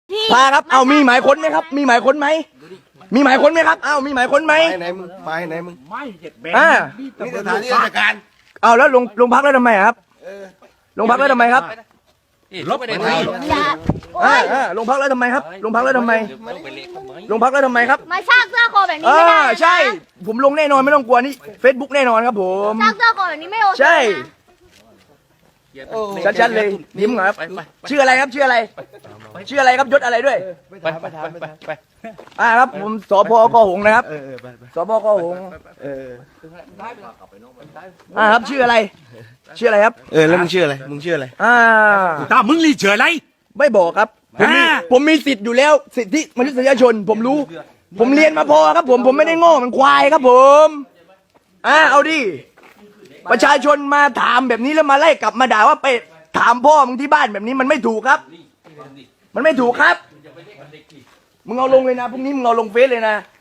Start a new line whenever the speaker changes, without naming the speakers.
พาครับเอามีหมายค้นไหมครับ มีหมายค้นไหมมีหมายค้นไหมครับเอามีหมายค้นไหม
ไหนมึงมาไหนมึง
ไม่เจ็ดแบน
อ่า
นี่สถานที่ราชการ
เอาแล้วลงพักแล้วทำไมครับลงพักแล้วทำไมครับ
ลบไปได้ไหม
ลงพักแล้วทำไมครับลงพักแล้วทำไมลงพักแล้วทำไมครับ
มาสร้างเสื้อคอแบบนี้ไม่ได้นะ
ใช่ ผมลงแน่นอนไม่ต้องกลัวนี่ Facebook แน่นอนครับผม
สร้างเสื้อคอแบบนี้ไม่โอเค
ใช่
นะ
ชัดๆเลยยิ้มครับชื่ออะไรครับชื่ออะไรชื่ออะไรครับยศอะไรด้วย
ไป
ครับผมสพกหงส์นะครับสพกหงส์ครับชื่ออะไรชื่ออะไรครับ
แล้วมึงชื่ออะไรมึงชื่ออะไร
ตามึงรีเฉยไร
ไม่บอกครับผมมีสิทธิ์อยู่แล้วสิทธิมนุษยชน ผมรู้ ผมเรียนมาพอครับผมไม่ได้โง่มันควายครับผมเอาดิประชาชนมาถามแบบนี้แล้วมาไล่กลับมาด่าว่าไปถามพ่อมึงที่บ้านแบบนี้มันไม่ถูกครับ มันไม่ถูกครับมึงเอาลงเลยนะพรุ่งนี้มึงเอาลงเฟซเลยนะ